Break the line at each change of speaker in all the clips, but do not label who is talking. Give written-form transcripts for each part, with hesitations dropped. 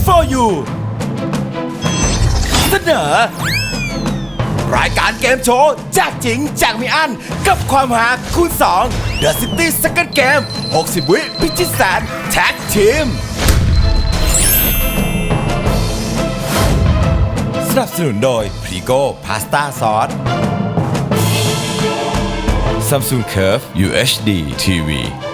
for you เสนอรายการเกมโชว์แจกจริงแจกไม่อั้นกับความหาคูณ2 The City Second Game 60 วิพิชิตแสนแท็กทีมสนับสนุนโดยพรีโก้พาสต้าซอส Samsung Curve UHD TV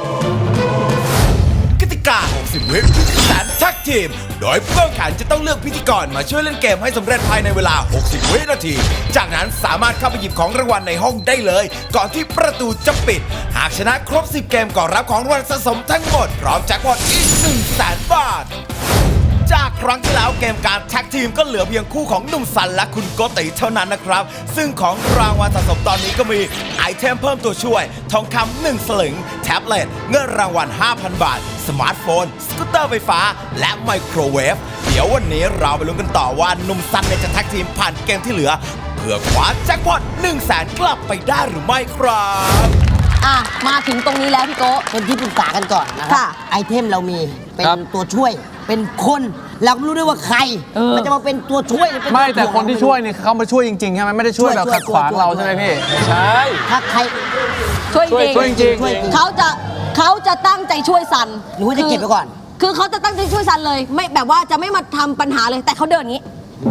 กติกา 60 วิพิชิตแสนแท็กทีมโดยผู้แข่งขันจะต้องเลือกพิธีกรมาช่วยเล่นเกมให้สำเร็จภายในเวลา 60 วินาที จากนั้นสามารถเข้าไปหยิบของรางวัลในห้องได้เลย ก่อนที่ประตูจะปิด หากชนะครบ 10 เกมก็รับของรางวัลสะสมทั้งหมดพร้อมแจ็คพอตอีก 100,000 บาท จากครั้งที่แล้วเกมการแท็กทีมก็เหลือเพียงคู่ของหนุ่มสันและคุณโกติเท่านั้นนะครับ ซึ่งของรางวัลสะสมตอนนี้ก็มีไอเทมเพิ่มตัวช่วย ทองคำ1 สลึง แท็บเล็ต เงินรางวัล 5,000 บาท สมาร์ทโฟน สกูตเตอร์ไฟฟ้า และไมโครเวฟ เดี๋ยววันนี้เราไปลุ้นกันต่อว่าหนุ่มสันจะแท็กทีมผ่านเกมที่เหลือ เพื่อคว้าแจ็คพอต 100,000 กลับไปได้หรือไม่ครับ
มาถึงตรงนี้แล้วพี่โก้
เป็นที่ปรึกษากันก่อนนะครั
ค่ะ
ไอเทมเรามีเป็น
ครับ
ตัวช่วย เป็นคนเราไม่รู้ด้วยว่าใคร มันจะมาเป็นตัวช่วยหรือเป็น
ไม่
ตัว
แต่คนที่
ถ่วง
ช่วยเนี่ยเขามาช่วยจริงๆใช่ไหมไม่ได้ช่วยแบบขัดขวางเราใช่ไหมพี่ใช่
ถ้าใคร
ช่วยจริง
ช่วยจริง
ช่วยจริง
เขาจะตั้งใจช่วยซัน
หรือว่าจะเก็บไว้ก่อน
คือเขาจะตั้งใจช่วยซันเลย ไม่แบบว่าจะไม่มาทำปัญหาเลย แต่เขาเดินอย่างนี้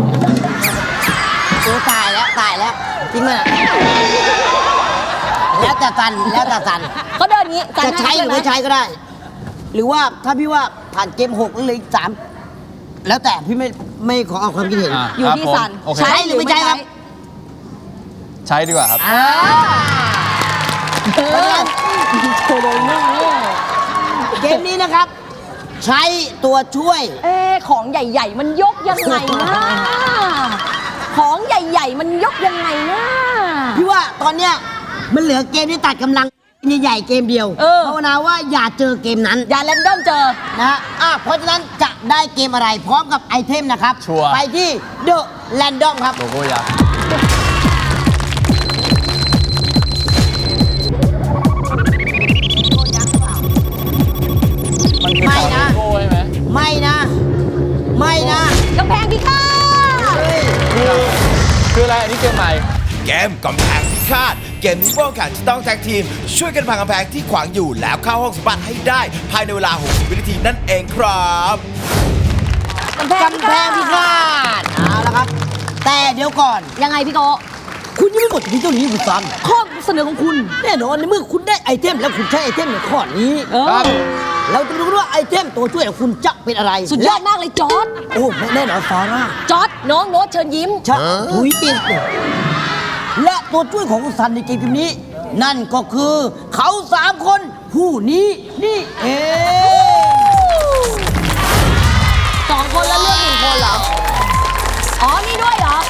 โอ้ตายแล้วจริงไหมแล้วแต่ตัน
เขาเดินอย่างนี้ซัน
จะใช้หรือไม่ใช้ก็ได้ หรือว่าถ้าพี่ว่าผ่านเกม6แล้วเหลย3แล้วแต่พี่ไม่ขอเอาความคิดเห็น
อยู่ที่ซัน
โอเค
ใช้หรือไม่ใช้ครับ
ใช้ดีกว่าครับ
โชว์โดนหน้าเนี่ย
เกมนี้นะครับ ใช้ตัวช่วย
ของใหญ่ ๆ มันยกยังไงนะ ของใหญ่ ๆ มันยกยังไงนะ
พี่ว่าตอนเนี้ยมันเหลือเกมที่ตัดกำลังใหญ่ๆเกมเดียวภาวนาว่าอย่าเจอเกมนั้น
อย่าแรนดอมเจอ
นะฮะเพราะฉะนั้นจะได้เกมอะไรพร้อมกับไอเทมนะครับ
ชัวร์
ไปที่ The Random ครับ
โลโก้ยักษ์มันคือ
ไม่
สอง
นะ
โลโก้ใช่ไหม
ไม่นะ
กำแพงพิฆาต
คืออะไรอันนี้เกมใหม่
เกมกำแพงพิฆาตเกมนี้ผู้แข่งขันจะต้องแท็กทีม ช่วยกันพังกำแพงที่ขวางอยู่แล้วเข้าห้องสมบัติให้ได้ภายในเวลา 60 วินาทีนั่นเองครับ
กำแพงพิฆาตเอาละครับ แต่เดี๋ยวก่อน
ยังไงพี่โก
คุณยังไม่หมดที่เท่านี้คุณซัน
ข้อเสนอของคุณ
แน่นอนในเมื่อคุณได้ไอเทมแล้วคุณใช้ไอเทมในข้อนี้
ครับ
เราจะดูว่าไอเทมตัวช่วยของคุณจะเป็นอะไร
สุดยอดมากเลยจอร์ด
โอ้แน่นอนซาร่า
จอร์ดน้องโน้ตเชิญยิ้ม
ชะถุยปิดและตัวช่วยของคุณซันในเกมนี้ นั่นก็คือเขา3 คนผู้นี้นี่เอง
2 คนแล้วเลือก1 คนเหรอ อ๋อ นี่ด้วยเหรอ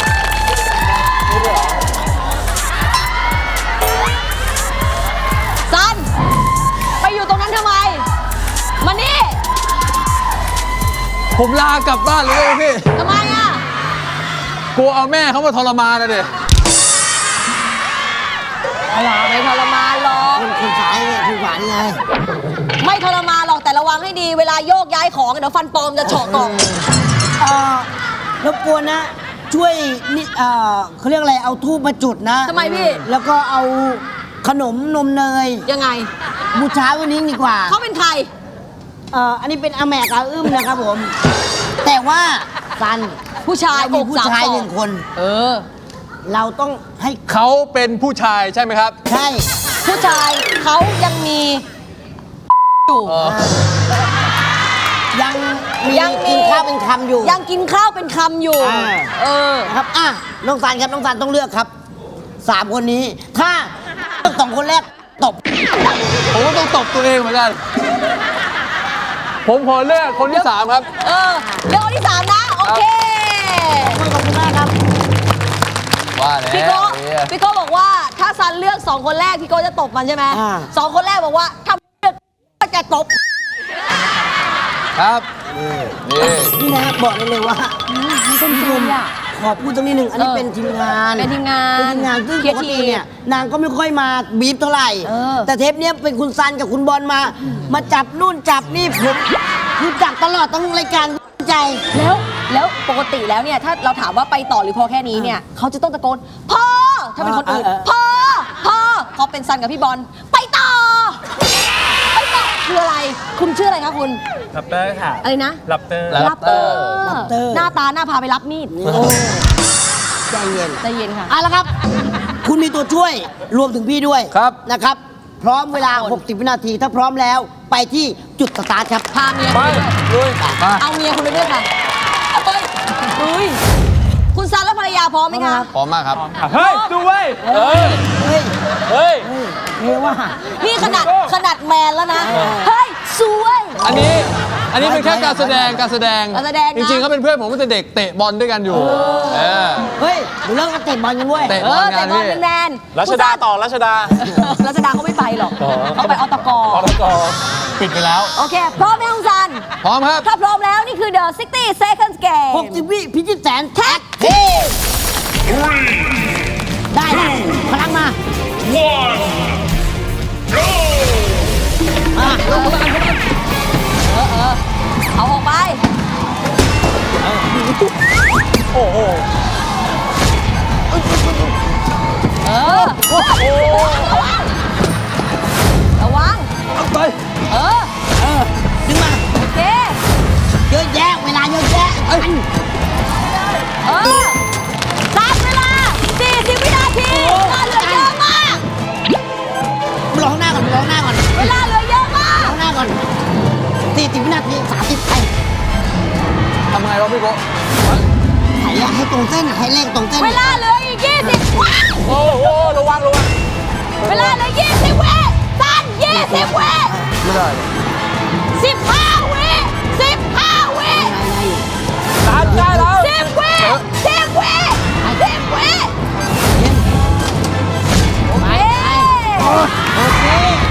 ซัน ไปอยู่ตรงนั้นทำไม มานี่
ผมลากลับบ้านเลยพี่
ทำไมอ่ะ
กลัวเอาแม่เขามาทรมานนะเด็
ไม่ทรมานหรอก
คุณสายเนี่ยคุณหวานไง
ไม่ทรมานหรอกแต่ระวังให้ดี เวลาโยกย้ายของเดี๋ยวฟันปลอมจะเฉาะกล่อง
รบกวนนะ ช่วยนี่เขาเรียกอะไรเอาทูบมาจุดนะ
ทำไมพี่
แล้วก็เอาขนมนมเนย
ยังไง
บูชาวันนี้ดีกว่า
เขาเป็นใคร
อันนี้เป็นอาแมกอาอึ้มนะครับผม แต่ว่าซัน
ผู้ชาย
มีผู้ชาย
อกสามศอก
1 คน
เออ
เราต้องให้
เขาเป็นผู้ชายใช่ไหมครับ
ใช่
ผู้ชายเขายังมีอยู่
ยังมี
ยังมี
กินข้าวเป็นคำอยู่
ยังกินข้าวเป็นคำอยู่ เออ
นะครับน้องซันครับน้องซันต้องเลือกครับ3 คนนี้ ถ้าเลือก2 คนแรกตบ
ผมก็ต้องตบตัวเองเหมือนกัน ผมขอเลือกคนที่ 3 ครับ
เออเรื่องคนที่ 3 นะ โอเค
ขอบคุณมากครับ
ว่าแล้ว
พี่โก้พี่โก้บอกว่าถ้าซันเลือก 2 คนแรกพี่โก้จะตบมันใช่ไหม 2 คนแรกบอกว่าถ้าเลือกก็จะตบ
ครับ นี่
นี่นะบอกได้เลยว่าท่านผู้ชมขอพูดตรงนี้หนึ่งอันนี้เป็นทีมงาน
เป็นทีมงาน
เป็นทีมงานซึ่ง
เคลี
ป
ยร์
กติ
ทีม
เนี่ยนางก็ไม่ค่อยมาบีบเท่าไหร่ แต่เทปเนี้ยเป็นคุณซันกับคุณบอลมาจับนู่นจับนี่ผมคือจับตลอดทั้งรายการใจ
แล้วปกติแล้วเนี่ยถ้าเราถามว่าไปต่อหรือพอแค่นี้เนี่ยเขาจะต้องตะโกนพอถ้าเป็นคนอื่นพอพอเป็นซันกับพี่บอลไปต่อคืออะไรคุณชื่ออะไรคะคุณ
ลับเตอร์ค่ะ
อะไรนะ
ลับเตอร์
ลับเตอร์หน้าตาหน้าพาไปรับมีด
ใจเย็น
ใจเย็นค่ะ
เอาละครับ คุณมีตัวช่วยรวมถึงพี่ด้วย
ครับ
นะครับ พร้อมเวลา 60 วินาที ถ้าพร้อมแล้วไปที่จุดสตาร์ทครับ
พาเมีย
ไป
คุณไปด้วย
ลุยมา
เอาเมียคุณไปด้วยค่ะเฮ้ยอุ้ยคุณซันและภรรยาพร้อมไหมคะ
พร้อมมากครับ
เฮ้ย ดูเว้ย
เฮ้ย
เฮ้ย
เฮ้ยว่า
นี่ขนาดแมนแล้วนะ เฮ้ยสวย
อันนี้เป็นแค่การแสดง
การแสดงนะ
จริงๆเขาเป็นเพื่อนผมตั้งแต่เด็กเตะบอลด้วยกันอยู่เออ
เฮ้ยเดี๋ยวเรื่องเตะบอลกันเว้ย
เตะ
แต่บอลแมน
รัชดาต่อ รัชดา
รัชดาเขาไม่ไปหรอกเขาไปอตก
อตก
ปิดไปแล้ว
โอเค พร้อมไหมคุณซัน
พร้อมครับ
ถ้าพร้อมแล้วนี่คือ The 60 Seconds Game
60 วิพิชิตแสนแท็กทีได้พลังมาอ่ะ
เอาออกไป
โอ้โห
เออระวัง
ไป
เออ
ดึงมา
โอเค
เยอะแยะเวลาเยอะแยะ
เออตัดเวลา 40 วินาทีเวลาเหลือเยอะมาก
ร้องหน้าก่อนร้องหน้าก่อน
เวลาเหลือเยอะมาก
ร้องหน้าก่อน40 วินาที30ไป
ทำไงวะพี่โกะ
ไหนอะให้ตรงเส้นอะให้เลขตรงเส้น
เวลาเหลืออีก 20ว้าว
โอ้โห ระวัง
เวลาเหลือ 20 วิตัน20 วิ
ไม่ได้
15 วิ 15 วิ
ตามได้แล้ว
10 วิ10 วิ10 วิโอเค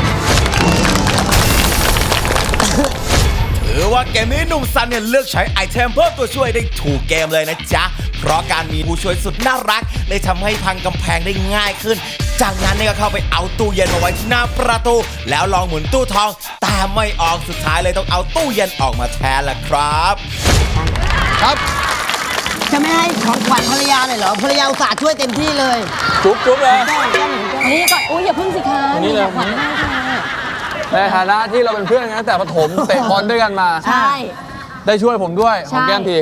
ถือว่าเกมนี้หนุ่มซันเนี่ยเลือกใช้ไอเทมเพิ่มตัวช่วยได้ถูกเกมเลยนะจ๊ะ เพราะการมีผู้ช่วยสุดน่ารักเลยทำให้พังกำแพงได้ง่ายขึ้น จากนั้นเนี่ยก็เข้าไปเอาตู้เย็นมาไว้ที่หน้าประตู แล้วลองหมุนตู้ทอง แต่ไม่ออกสุดท้ายเลยต้องเอาตู้เย็นออกมาแทนล่ะครับ
ครับ
จะไม่ให้ของขวัญภรรยาเลยเหรอภรรยาอุตส่าห์ช่วยเต็มที่เลย
จุ๊บเลย
นี่ก่อนอุ้ยอย่าพึ่งสิคะ
นี่เลย
ขวัญให้ค่ะ
ในฐานะที่เราเป็นเพื่อนกันตั้งแต่ประถมเตะบอลด้วยกันมา
ใช่
ได้ช่วยผมด้วยหอมแก้มที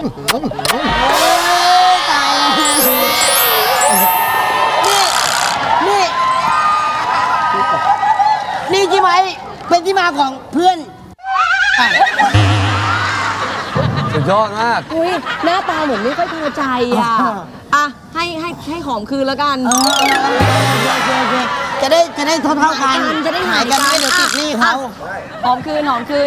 ตายแล้วนี่นี่ใช่ไหมเป็นที่มาของเพื่อนอ่ะ
สุดยอดมาก
อุ้ยหน้าตาเหมือนไม่ค่อยพอใจอ่ะให้หอมคืนแล้วกัน
โอเคจะได้เท่ากัน
จะได้หาย
กันไม่เดี๋ยวติดหนี้เขา
หอมคืนหอมคืน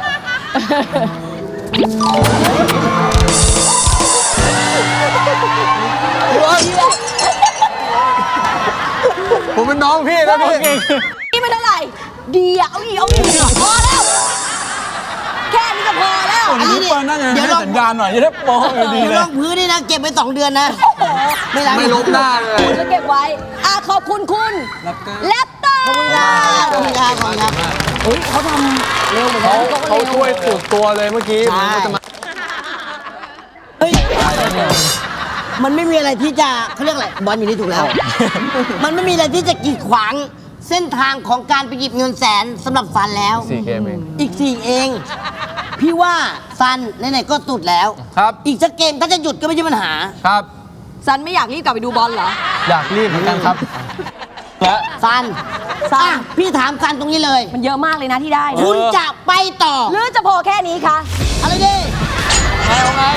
ผมเป็นน้องพี่นะพี่
นี่ไม่เท่าไหร่ดีอ่ะเอาอีกพอแล้ว แค่นี้ก็พอแล้ว
อันนี้
เปิดนั่งไง
เดี๋ยว
ให้
ลอง
สัญญาณหน่อยจะได้มองดี
เดี๋ยว
เล
ล
ย
องพื้นนี่นะเก็บไป2 เดือนนะไม่ล้าง
ไม่ลบหน้าเลย
คุณจะเก็บไว้ขอบคุณคุณแรปเตอร์
ขอบคุณครับขอบคุณครับขอบคุณครับ
เฮ้ยเขาทำเร็วเหมือนกั
เขาช่วยสุดตัวเลยเมื่อกี้ผมก็จะมา
เฮ้ยมันไม่มีอะไรที่จะเขาเรียกอะไรบอลอยู่นี่ถูกแล้ว มันไม่มีอะไรที่จะกีดขวางเส้นทางของการไปหยิบเงินแสนสำหรับซันแล้ว
4 เกมเอง
อีก 4 เอง พี่ว่าซันไหนๆก็สุดแล้ว
ครับ
อีกสักเกมถ้าจะหยุดก็ไม่ใช่ปัญหา
ครับ
ซันไม่อยากรีบกลับไปดูบอลเหรอ
อยากรีบเหมือนกันครับและ
ซัน
ซัน
อ่ะพี่ถามซันตรงนี้เลย
มันเยอะมากเลยนะที่ได้นะ
คุณจะไปต่อ
หรือจะพอแค่นี้คะ
อะไรดิ
เอาไง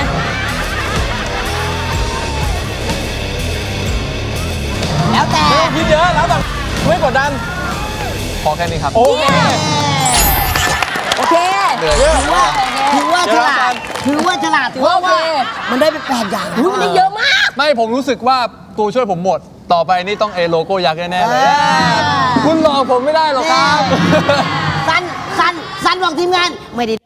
แล้วแต่
คิดเยอะแล้วแต่ไม่กดดัน
พอแค่นี้ครับ
โอเค
โอเค
เหนื่อย
ถือว่าฉลาดถือว่าฉลาด
ถือ
เพ
ว่า
ราะว่า
โอเค
มันได้ไป8 อย่าง
อุ๊ยมันได้เยอะมาก
ไม่ผมรู้สึกว่าตัวช่วยผมหมด ต่อไปนี่ต้องโลโก้ยักษ์แน่ๆเลย คุณหลอกผมไม่ได้หรอกครับ
ซันบอกทีมงานไม่ได้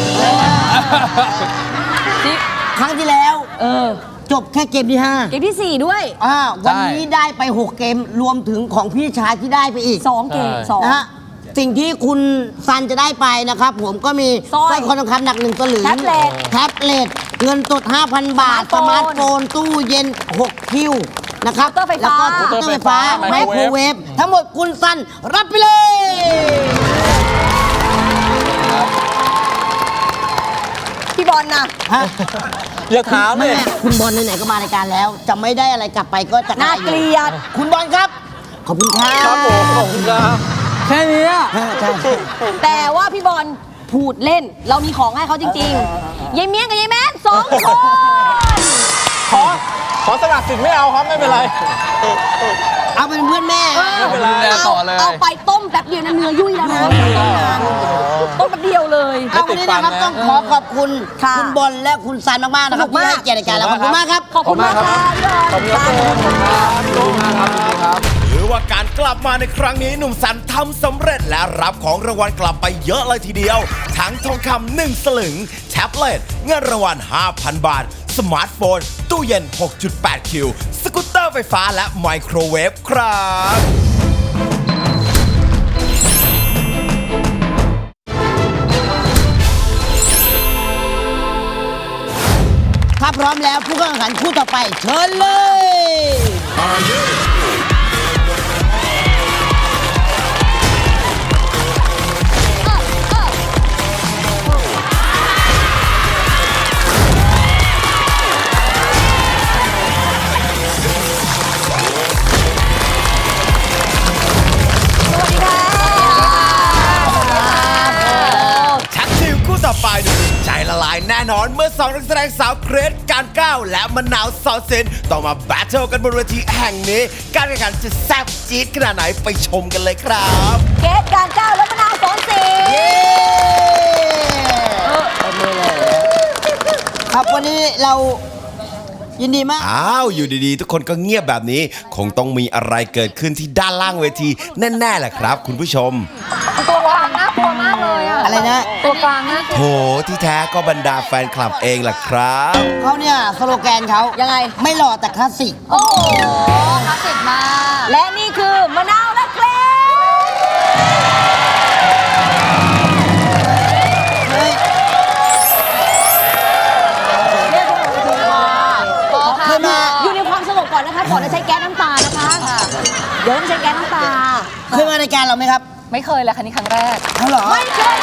ครั้งที่แล้ว จบแค่เกมที่
เกมที่ 4 ด้วย
5วันนี้ได้ไป6 เกมรวมถึงของพี่ชายที่ได้ไปอีก
2 เกม
ใช่
นะฮะสิ่งที่คุณซันจะได้ไปนะครับผมก็มี
สร้อย
คอทองคำหนัก1สลึง
แท็บเล็ต
แท็บเล็ตเงินสด 5,000 บาท ส
สมา
มา
ร์
ร์
ท
ท
โฟ
โฟ
น
น ตู้เย็น 6 คิวนะครับ
เคาน์เตอร์ไฟฟ้า
แล้วก็เคาน์เตอร์ไฟฟ้า
ไม
ไม
โคร
โคร
เว
เว
ฟ
ฟทั้งหมดคุณซันรับไปเลย
พี่บอลนะ
ฮะ
อย่าถามเล
แม่
ย
คุณบอลไหนๆก็มารายการแล้ว จะไม่ได้อะไรกลับไปก็จะ
น่าเกลียด
คุณบอลครับ ขอบคุณครับ
ครับผมขอบคุณครับ
แค่นี้อะ
ใช่ใช่
แต่ว่าพี่บอลพูดเล่น เรามีของให้เขาจริงๆยายเมียงกับยายแมน2 คน
ขอสลักสิทธิ์ไม่เอาครับไม่เป็นไร
เอาเป็นเพื่อนแม่
ไม่เป็นไร
ดูแลต่อเลย
เอาไปต้มแป๊บเดียวนะเนื้อยุ่ยแล้วนะต้มแป๊บเดียวเลย
เอาวันนี้นะครับต้องขอขอบคุณ
ค่ะ
คุณบอลและคุณซันมากๆนะครับ
สนุกมาก
ที่ให้เกียรติรายการเราขอบคุณมากครับ
ขอบคุณมากค่ะพี่บอล
ขอบคุณครับ
หรือว่าการกลับมาในครั้งนี้หนุ่มสันทำสำเร็จและรับของรางวัลกลับไปเยอะเลยทีเดียว ทั้งทองคำ1 สลึง แท็บเล็ตเงินรางวัล 5,000 บาท สมาร์ทโฟน ตู้เย็น 6.8 คิว สกูตเตอร์ไฟฟ้าและไมโครเวฟครับ
ถ้าพร้อมแล้วผู้เข้าแข่งขันคู่ต่อไปเชิญเลย
ชักชิวคู่ต่อไปดูใจละลายแน่นอนเมื่อ2นักแสดงสาวเกรซการก้าวและมะนาวสอนเซนต้องมาแบทเทิลกันบนเวทีแห่งนี้ การแข่งขันจะแซ่บจี๊ดขนาดไหนไปชมกันเลยครับ
เกสการก้าวและมะนาว2 สี
ครับวันนี้เรายินดีมาก
อ้าว อยู่ดีๆ ทุกคนก็เงียบแบบนี้ คงต้องมีอะไรเกิดขึ้นที่ด้านล่างเวทีแน่ๆแหละครับคุณผู้ชม
ตัวกลางน่ากลัวมากเลยอะ
อะไรนะ
ตัวกลางน่ากลัว
โถที่แท้ก็บรรดาแฟนคลับเองล่ะครับ
เขาเนี่ยสโลแกนเขาย
ยังไง
ไม่หล่อแต่คลาสสิก
โอ้โห
คลาสสิกมาก
และนี่คือมะนาวและเกรซ
เฮ้ย เคยมา
อยู่ในความสงบก่อนนะคะก่อนจะใช้แก๊สน้ำตานะคะ เดี๋ยวต้องใช้แก๊สน้ำตา
เคยมารายการเราไหมครับ
ไม่เคยเลยค่ะนี่ครั้งแรก
เขาเหรอ
ไม่เคยมา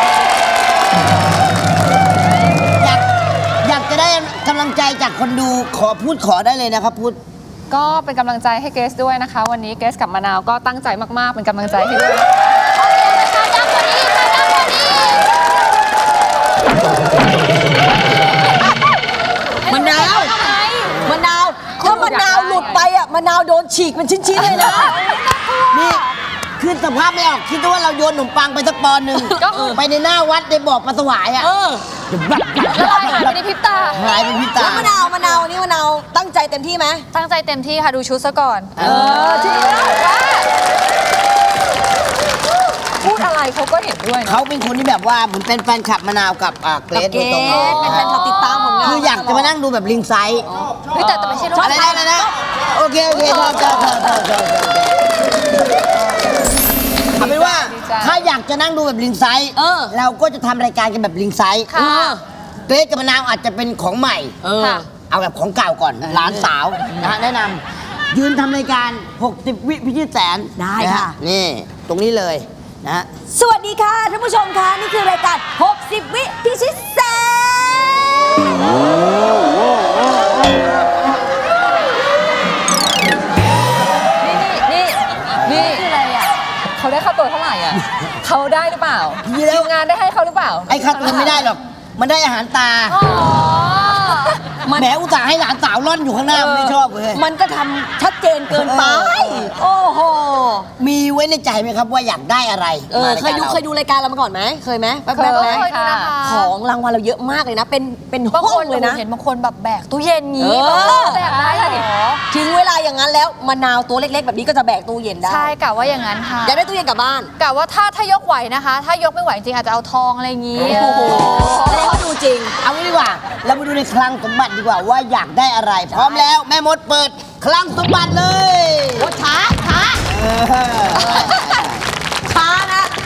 อยากจะได้กำลังใจจากคนดูขอได้เลยนะครับพูด
ก็เป็นกำลังใจให้เกสด้วยนะคะ วันนี้เกสกับมะนาวก็ตั้งใจมากๆ เป็นกำลังใจให้ด้วย
มะนาวมะนาวถ้ามะนาวหลุดไปอ่ะมะนาวโดนฉีกเป็นชิ้นๆเลยนะ
นี่คือสภาพไม่ออกคิดว่าเราโยนขนมปังไปสักปอนด์หนึ่งไปในหน้าวัดในบ่อปลาสวายอ่ะ
เออ
ละลายหายไปในพริบตา
หายเป็นพิตา
แล้วมะนาวนี่มะนาวตั้งใจเต็มที่ไหม
ตั้งใจเต็มที่ค่ะดูชุดซะก่อน
จริง
พูดอะไรเขาก็เห็นด้วยนะ
เขาเป็นคนที่แบบว่าเหมือนเป็นแฟนคลับมะนาวกับเกร
กับ
ซ
เก
โดยตรง
สเป็นแฟนคลับติดตามผลงาน
คืออยากจะมานั่งดูแบบลิงไซส์
เฮ้ยแต่ไม่ใช่รูป
อะไรนะอะไรนะโอเคชอบเอาเป็นว่าถ้าอยากจะนั่งดูแบบลิงไซส์เราก็จะทำรายการกันแบบลิงไซส์
ค่ะ
เกรซกับมะนาวอาจจะเป็นของใหม่
ค่ะ
เอาแบบของเก่าก่อนหลานสาวนะฮะแนะนำยืนทำรายการ 60 วิพิชิตแสน
ได้
นฮ
ค่ะ
นี่ตรงนี้เลยนะฮะ
สวัสดีค่ะท่านผู้ชมค่ะนี่คือรายการ 60 วิพิชิตแสน
นี่คืออะไรอ่ะเขาได้ค่าตัวเท่าไหร่อ่ะเขาได้หรือเปล่า
ดีแล้ว
ทีมงานได้ให้เขาหรือเปล่า
ไอ้คัดมันไม่ได้หรอก มันได้อาหารตา
อ๋อ
แหมอุตส่าห์ให้หลานสาวร่อนอยู่ข้างหน้ามันไม่ชอบเลย
มันก็ทำชัดเจนเกินไป โอ้โห
มีไว้ในใจไหมครับว่าอยากได้อะไรมาราย
เค
กาย ร
ดู
รา
เคยดูรายการเรามาก่อนไหมเคยไหมแป๊บ
เคย
ๆไหม
ค่ะ
ของรางวัลเราเยอะมากเลยนะ เป็น
บาง
ห้อ
ค
ง
น
เลยนะ
เห็นบางคนแบบแบกตู้เย็นงี้
เออ
แบกได้เหรอ
ถึงเวลาอย่างนั้นแล้วมะนาวตัวเล็กๆ แบบนี้ก็จะแบกตู้เย็นได้
ใช่กะว่าอย่างนั้นค่ะ
อยากได้ตู้เย็นกลับบ้าน
กะว่าถ้ายกไหวนะคะ ถ้ายกไม่ไหวจริงอาจจะเอาทองอะไรอย่างงี้
โอ้โหแสดงว่าดูจริง
เอางี้ดีกว่า เรามาดูในคลังสมบัติดีกว่าว่าอยากได้อะไร พร้อมแล้วแม่มดเปิดคลังสมบัติเลย
โอ้ช้า
เออ
ช้านะ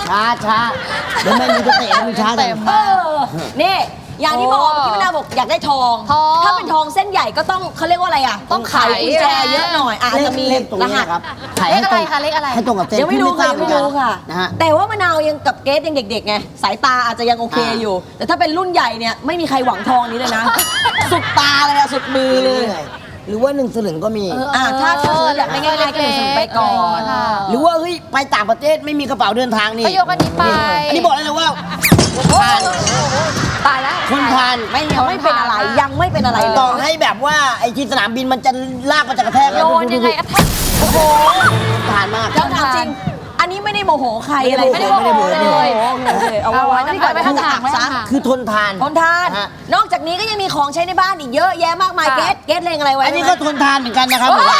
ช้าเดี๋ยวแม่มีจะเตะมึงช้า
เต็ม
เออนี่อย่างที่บอกที่มะนาวบอกอยากได้ทอง
ทอง
ถ้าเป็นทองเส้นใหญ่ก็ต้องเขาเรียกว่าอะไรอ่ะ
ต้องไข
กุญแจเยอะหน่อยอาจจะมี
เลขตรงนี้นะครับ
เลขอะไรคะเลขอะไร
ให้ตรงกับเส้น
ยังไม่รู้ค่ะยังไม่รู้ค่ะ
นะฮะ
แต่ว่ามะนาวยังกับเกสยังเด็กๆไงสายตาอาจจะยังโอเคอยู่ แต่ถ้าเป็นรุ่นใหญ่เนี่ยไม่มีใครหวังทองนี้เลยนะ สุดตาเลยอะสุดมือเลย
หรือว่า1 สลึงก็มี
ถ้าซื้ออยากได้ง่ายๆก็เลยซื้อไปก่อน
ค่ะ
หรือว่าเฮ้ยไปต่างประเทศไม่มีกระเป๋าเดินทางนี่
ก็ยกอันนี้ไป
อันนี้บอกเลยนะว่าทาน
ตายแล้ว
คนทาน
ยังไม่เป็นอะไรยังไม่เป็นอะไรเลย
ต่อให้แบบว่าไอ้ที่สนามบินมันจะลากมาจากกระแทก
โยนยังไงอะทัก
โอ้โห
ทานมาก
แล้วถามจริง อันนี้ไม่ได้โมโหใครอะไร
ไม่ได้โมโหเลย
เอาไว้ที่ก่อน
ไม่
ไม่
ต้
ต้
อ
อง ง
หั
หั
ก
กซะ
คือทนทาน
ทนทาน
ฮะ
นอกจากนี้ก็ยังมีของใช้ในบ้านอีกเยอะแยะมากมาย
ค่ะ
เกสเลงอะไรไว้
อันนี้ก็ทนทานเหมือนกันนะครับผม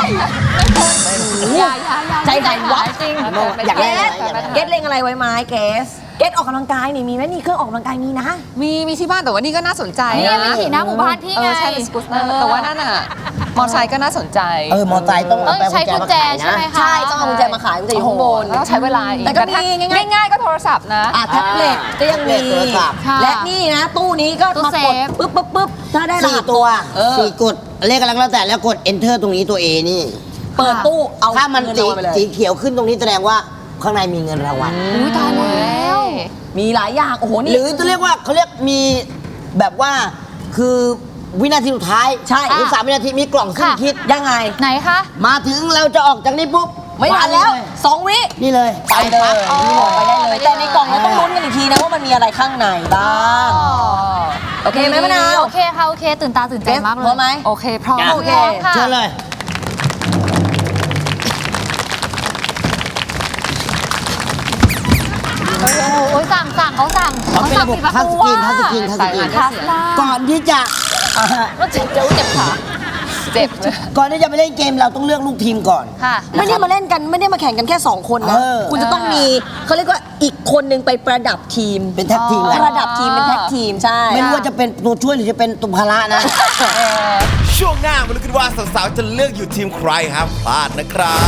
อย่า
ใจหายวับ
จริง
อยาก
เก
ได้
สเกสเลงอะไรไว้ไหมเกสออกกำลังกายนี่มีไหมนี่เครื่องออกกำลังกายมีนะ
มีที่บ้านแต่ว่านี่ก็น่าสนใจ
นี่วิถีหน้าหมู่บ้านพี่ไง
ใช่เป็นสกูตเตอร์แต่ว่านั่นน่ะมอเตอร์ไซค์ก็น่าสนใจ
มอไซค์ต้อง
ต้องใช้กุญแจใช่ไหมคะ
ใช่ต้องเอากุญแจมาขายกุญแจอยู่ข้างบน
แล้วต้องใช้เวลาอีก
แต่ก็มีง่าย
ง่ายๆก็โทรศัพท์นะ
แท็บเล็ตก็ยังมี
โทรศัพท์
ค่ะ
และนี่นะ ตู้นี้ก็
ตู้
มา
เซ
กด
ฟ
ปึ๊บถ้าได้รหัส
4 ตัว
เออ
4 กดเลขอะไรก็แล้วแต่แล้วกด enter ตรงนี้ตัว A นี่
เปิดตู้เอา
ถ้ามัน
เงิน
สี
รางวัลไปเลย
สีเขียวขึ้นตรงนี้แสดงว่าข้างในมีเงินรางวัล
อุ้ยตายแล้ว
มีหลายอย่างโอ้โหนี่
หรือจะเรียกว่าเขาเรียกมีแบบว่าคือวินาทีสุดท้าย
ใช่
หรือ3 วินาทีมีกล่องขึ้น
ค่ะ
คิด
ยังไง
ไหนคะ
มาถึงเราจะออกจากนี้ปุ๊บ
ไม่ทันแล้ว 2 วิ
นี่เลย
ไปเลย
ปั๊บ
ไปได้เลย แต่ในกล่องเราต้องลุ้นกันอีกทีนะว่ามันมีอะไรข้างในบ้างโอเคไหมมะนาว
โอเคค่ะ โอเค ตื่นตาตื่นใจมากเลย
พร้อมไหม
โอเคพร้อม
โอเค
ค่ะ
เชิญเลย
โอ้ยสั่งเขาสั่ง
เขาเป็นระบบ
ปิด
ทัชสกรีน
อะ ทัสลา
ก่อนที่จะ
แล้วเจ็บขา
เจ็บเลย
ก่อนที่จะไปเล่นเกมเราต้องเลือกลูกทีมก่อน
ค่ะ
ไม่ได้มาเล่นกันไม่ได้มาแข่งกันแค่ 2 คนนะ
เออ
คุณจะต้องมีเขาเรียกว่าอีกคนนึงไปประดับทีม
เป็นแท็กทีมกัน
ประดับทีมเป็นแท็กทีมใช่
ไม่รู้ว่าจะเป็นตัวช่วยหรือจะเป็นตุภาระนะ
ช่วงหน้ามาลุ้นกันว่าสาวๆจะเลือกอยู่ทีมใครห้ามพลาดนะครับ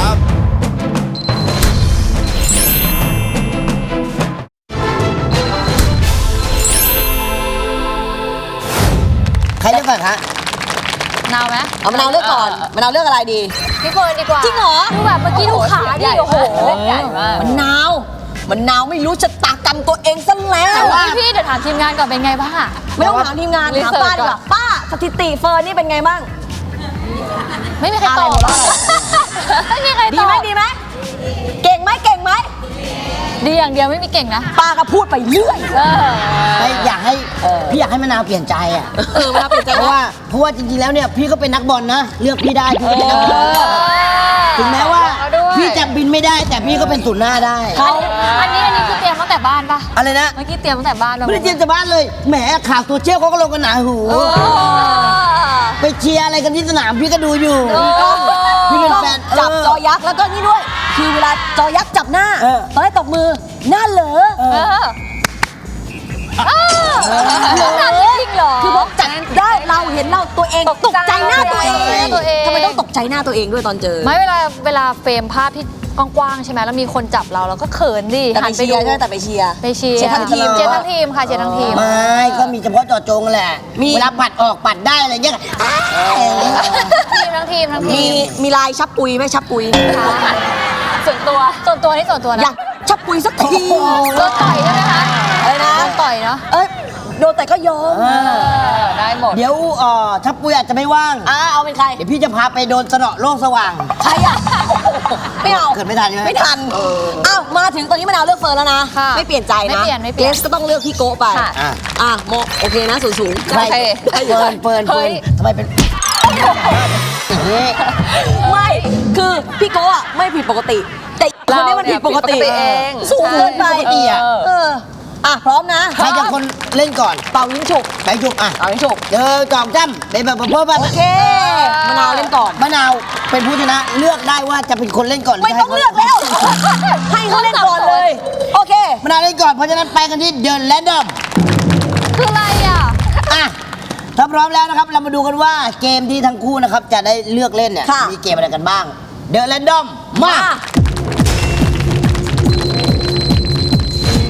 ใครเลือกก่อนคะ
นาวไหม
เอามะนาวเลือกก่อนมะนาวเลือกอะไรดี
พี่เฟิร์นดีกว่า
จริงเหรอ
ดูแบบเมื่อกี้ดูขาดิโอ้โห
ใหญ่มาก
มะนาวไม่รู้ชะตากรรมตัวเองซะแล้ว
พี่เดี๋ยวถามทีมงานก่อนเป็นไงบ้างอะ
ไม่ต้องถามทีมงานถามป้าดีกว่าป้าสถิติเฟิร์นนี่เป็นไงบ้าง
ไม่มีใครตอบ
อะไรหมดแล้ว
ไม่มีใคร
ดี
ตอบ
ไหมดีไหมเก่งไหม
ดีอย่างเดียวไม่มีเก่งนะ
ป้าก็พูดไปเรื่อย
ไม่อยากให้พี่อยากให้มะนาวเปลี่ยนใจอ่ะ
มะนาวเปลี่ยนใจ
เพราะว่าจริงๆแล้วเนี่ยพี่ก็เป็นนักบอลนะ เลือกพี่ได้พี่ก็เป็นนักบอลถึงแม้ว่า
เอาด้วย
พี่จะบินไม่ได้แต่พี่ก็เป็นศูนย์หน้าได้
อันนี้คือเตรียมตั้งแต่บ้านปะ
อะไรนะ
เมื่อกี้เตรียมตั้งแต่บ้านปะ
ไม่ได้เตรียมจากบ้านเลยแหมข่าวตัวเชี่ยวเขาก็ลงกันหนาหูไปเชียร์อะไรกันที่สนามพี่ก็ดูอยู่พี่เป็นแฟน
จับจอยักษ์แล้วก็นี่ด้วย คือเวลาจอยักษ์จับหน้า
เออ
ตอนให้ตบมือหน้าเหลอ
ต้องทำจริงเหรอ
คือบอกจัดได้เราเห็นเราตัวเองตกใจหน้าตัวเอง
ตัวเอง
ทำไมต้องตกใจหน้าตัวเองด้วยตอนเจอ
ไม่เวลาเฟรมภาพที่กว้างๆใช่ไหมแล้วมีคนจับเราก็เขินดิ
แต่
หั
ไป
นไป
เชีย
ดู
ร์ใช่ไหมแต่ไปเชียร์
ไปเชียร์
เชียร์ทั้งทีม
เชียร์ทั้งทีมค่ะเชียร์ทั้งทีม
ไม่ก็มีเฉพาะเจาะจงแหละ เวลาปัดออกปัดได้อะไรเงี้ย
ทั้งทีม
มีลายชับปุยไหมชับปุย
ส่วนตัวนี่ส่วนตัว
อ
นะ
ยากชับปุยสักที
โดนต่อยใช่ไหมคะ
อะไรนะ
โดนต่อยเนาะ
เอ้ยโดนแต่ก็ยอม
ได้หมด
เดี๋ยวชับปุยอาจจะไม่ว่าง
เอาเป็นใคร
เดี๋ยวพี่จะพาไปโดนสนอโลกสว่าง
ใครอ่ะไม่เอา
เกิดไม่ทันใช่ไหม
ไม่ทันอ้าวมาถึงตอนนี้มะนาวเลือกเฟิร์นแล้วนะ
ค่ะ
ไม่เปลี่ยนใจนะ
ไม่เปลี่ยน
เกรซก็ต้องเลือกพี่โกะไป
ค่ะ
โมโอเคนะสูง
ใคร
โอเค
เฟิร์นทำไมเป็นอย่างนี้
ไม่คือพี่โกะอะไม่ผิดปกติ แต่คนนี้มันผิดปกติ
เราเนี่ยผิดปกติเอง
สูงเกินไป
ปกติอะ
พร้อมนะ
ใครจะคนเล่นก่อน
เป่ายิงฉุก
ไปจุกอ่ะ
เป่ายิงฉุก
จอมจ้ำเป็นแบบเพิ่ม
โอเคมะนาวเล่นก่อน
มะนาวเป็นผู้ชนะเลือกได้ว่าจะเป็นคนเล่นก่อนหรื
ไม่ต้องเลือกแล้ว ให้เขาเล่นก่อนเลย โอเค
มะนาวเล่นก่อนเพราะฉะนั้นไปกันที่เดินแรนดอม
คืออะไรอ่ะ
อ่ะถ้าพร้อมแล้วนะครับเรามาดูกันว่าเกมที่ทั้งคู่นะครับจะได้เลือกเล่นเนี่ย
ค่ะ
มีเกมอะไรกันบ้าง เดินแรนดอมมา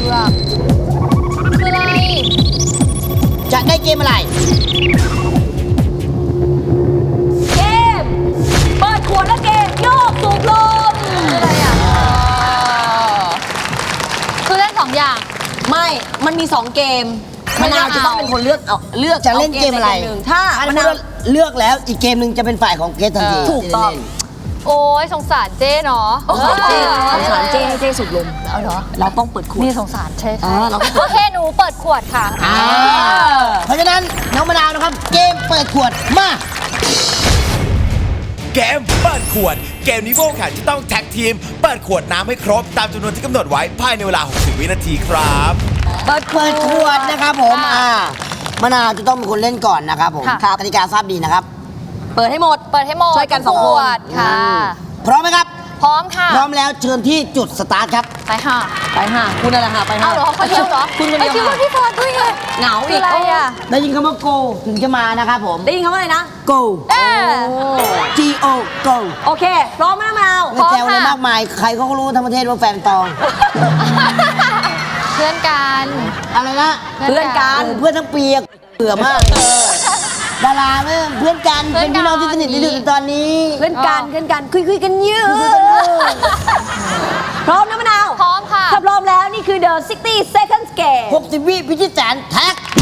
อกคืออะไร
จะได้เกมอะไร
เกม เปิดขวดและเกมโยกสูบลม
คืออะไรอ่ะคือเล่น2 อย่าง
ไม่ มันมี 2 เกม
ไม่
มะนาวจะต้องเป็นคนเลือก
จะเล่นเกมอะไร
าใดหนึ่งถ้ามะนาว
เลือกแล้วอีกเกมหนึ่งจะเป็นฝ่ายของเกสทันที
ถูกต้อง
โอ้ยสงสารเจ๊เนาะ
สงสารเจ้ให้เจ้สูบลม
เอาเหรอ
เราต้องเปิดขวด
นี่สงสารใช่
เราก็
โอเคหนูเปิดขวดค่ะ
เพราะฉะนั้นน้องมะนาวนะครับ เกมเปิดขวดมา
เกมเปิดขวด เกมนี้พวกแข่งจะต้องแท็กทีม เปิดขวดน้ำให้ครบตามจำนวนที่กำหนดไว้ภายในเวลา 60 วินาทีครับ
เปิดขวดนะครับผมมะนาวจะต้องเป็นคนเล่นก่อนนะครับผม
ค่ะ
กติกาทราบดีนะครับ
เปิดให้หมด
เปิดให้หมด
ช่วยกันสอง
ข
คน
วดค่ะ
พร้อมไหมครับ
พร้อมค่ะ
พร้อมแล้วเชิญที่จุดสตาร์ทครับ
ไปค่ะ
ไปห่าคุณอะไรห่าไปห่า
เอาเหรอคนเดียวเหรอ
คุณคนเดียว
ไอ้คิดว่าพี่ฟอร์ดด้วยไง
เหงา
คื
อี
อก อะไรอ่ะ
ได้ยินคำว่า go ถึงจะมานะครับผม
ได้ยินคำว่าอะไรนะ
go
เออ
G O go
โอเค พร้อมไหมมะนาว
ไม่แซวเลยมากมาย ใครเขาก็รู้ทั้งประเทศว่าแฟนตอง
เพื่อนกัน
อะไรนะ
เพื่อนกัน
เพื่อนทั้งปีอะเบื่อมากดาราเนี่ยเพื่อนกัน เป็นพี่น้องที่สนิทที่สุดในตอนนี้
เพื่อนกันเพื่อนกันคุยกันเยอะพร้อมนะมะนาว
พร้อมค่ะ
ถ้าพร้อมแล้วนี่คือ The 60 Seconds Game
60 วิพิชิตแสนแท็กเฮ้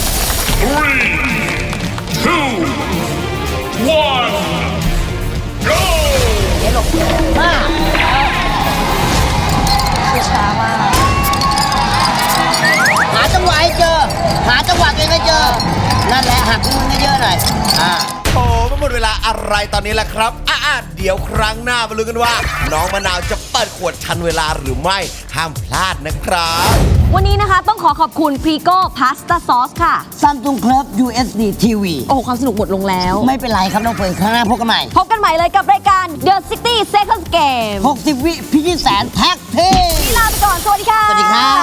ช้ามาก
หาจังหวะให้เจอ หาจังหวะตัวเองให้เจอ นั่นแหละหักมือให้เยอะหน่อย
โอ้ไม่หมดเวลาอะไรตอนนี้แหละครับเดี๋ยวครั้งหน้ามาลุ้นกันว่า น้องมะนาวจะเปิดขวดทันเวลาหรือไม่ ห้ามพลาดนะครับ
วันนี้นะคะต้องขอบคุณ Frigo Pasta Sauce ค่ะ
Samsung Club USD TV
โอ้ความสนุกหมดลงแล้ว
ไม่เป็นไรครับน้องเฟิร์นครั้งหน้าพบกันใหม่
พบกันใหม่เลยกับรายการ The 60 Seconds Game
60 วิพิชิตแสนแท็กเฮ้
ลาไปก่อน สวัสดีค่ะ
สวัสดีครับ